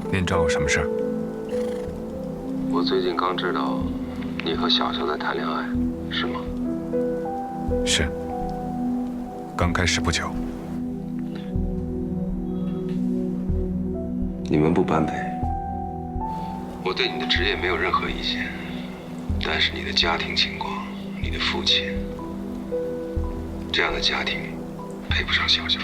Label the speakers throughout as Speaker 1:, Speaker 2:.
Speaker 1: 您找我什么事儿？
Speaker 2: 我最近刚知道，你和小乔在谈恋爱，是吗？
Speaker 1: 是。刚开始不久。
Speaker 2: 你们不般配。我对你的职业没有任何意见，但是你的家庭情况，你的父亲，这样的家庭配不上小乔。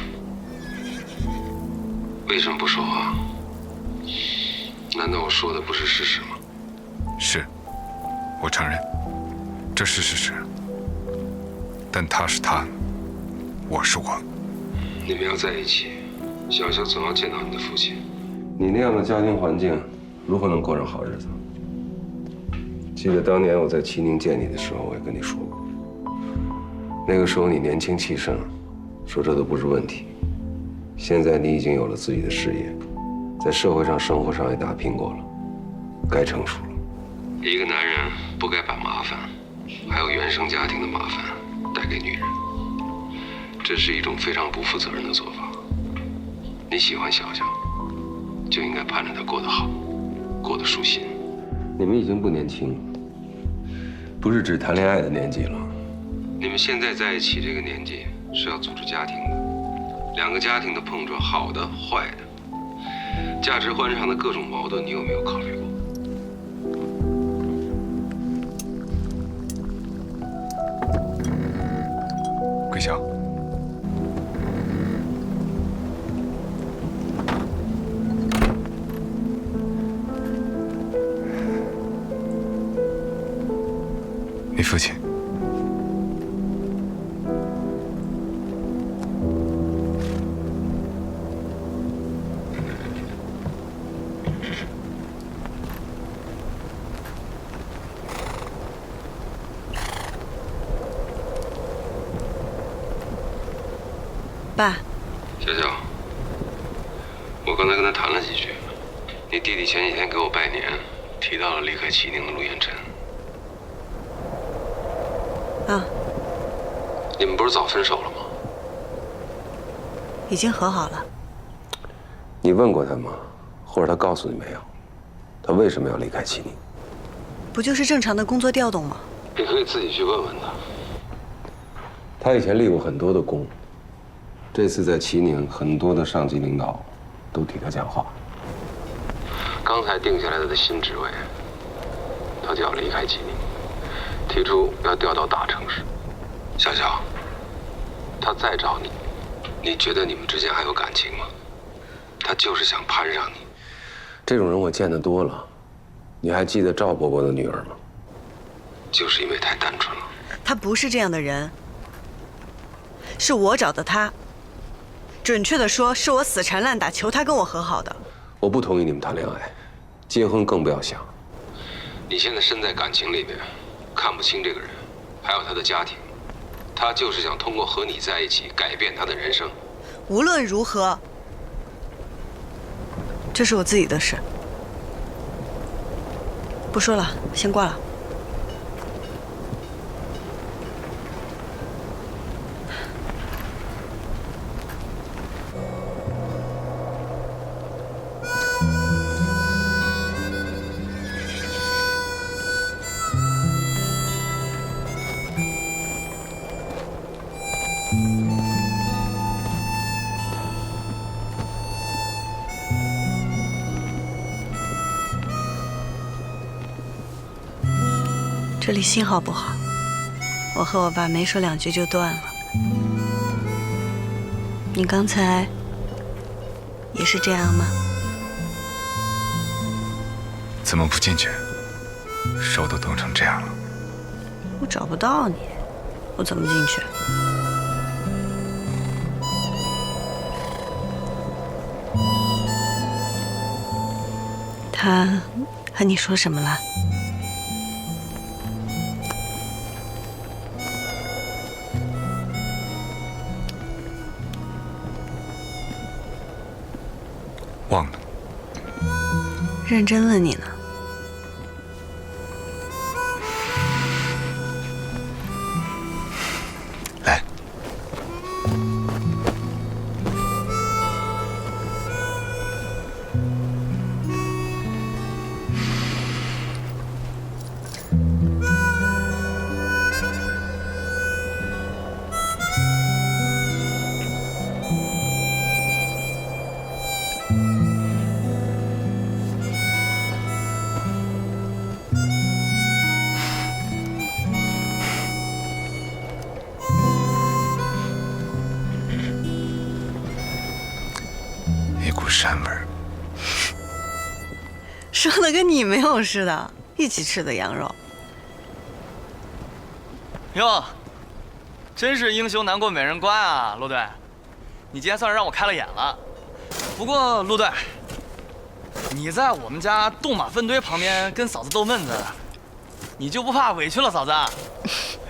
Speaker 2: 为什么不说话？难道我说的不是事实吗？
Speaker 1: 是，我承认，这是事实。但他是他，我是我。
Speaker 2: 你们要在一起，小乔总要见到你的父亲。你那样的家庭环境，如何能过上好日子？记得当年我在齐宁见你的时候，我也跟你说过，那个时候你年轻气盛，说这都不是问题。现在你已经有了自己的事业，在社会上、生活上也打拼过了，该成熟了。一个男人不该把麻烦，还有原生家庭的麻烦带给女人，这是一种非常不负责任的做法。你喜欢小乔，就应该盼着她过得好，过得舒心。你们已经不年轻了，不是只谈恋爱的年纪了。你们现在在一起这个年纪是要组织家庭的，两个家庭的碰撞，好的、坏的，价值观上的各种矛盾，你有没有考虑过？
Speaker 1: 桂香，你父亲。
Speaker 3: 爸，
Speaker 2: 小乔，我刚才跟他谈了几句，你弟弟前几天给我拜年，提到了离开齐宁的陆彦辰。
Speaker 3: 啊，
Speaker 2: 你们不是早分手了吗？
Speaker 3: 已经和好了。
Speaker 2: 你问过他吗？或者他告诉你没有？他为什么要离开齐宁？
Speaker 3: 不就是正常的工作调动吗？
Speaker 2: 你可以自己去问问他。他以前立过很多的功，这次在齐宁，很多的上级领导都替他讲话。刚才定下来他的新职位，他就要离开齐宁，提出要调到大城市。小乔，他再找你，你觉得你们之间还有感情吗？他就是想攀上你。这种人我见得多了。你还记得赵伯伯的女儿吗？就是因为太单纯了。
Speaker 3: 他不是这样的人，是我找的他。准确的说，是我死缠烂打求他跟我和好的。
Speaker 2: 我不同意你们谈恋爱，结婚更不要想。你现在身在感情里面，看不清这个人，还有他的家庭。他就是想通过和你在一起改变他的人生。
Speaker 3: 无论如何，这是我自己的事。不说了，先挂了。这里信号不好，我和我爸没说两句就断了。你刚才也是这样吗？
Speaker 1: 怎么不进去？手都冻成这样了。
Speaker 3: 我找不到你，我怎么进去？他和你说什么了？
Speaker 1: 忘了。
Speaker 3: 认真问你呢。
Speaker 1: 来， 股膻味儿。
Speaker 3: 说的跟你没有似的，一起吃的羊肉。
Speaker 4: 哟，真是英雄难过美人关啊，陆队，你今天算是让我开了眼了。不过陆队，你在我们家冻马粪堆旁边跟嫂子逗闷子，你就不怕委屈了嫂子？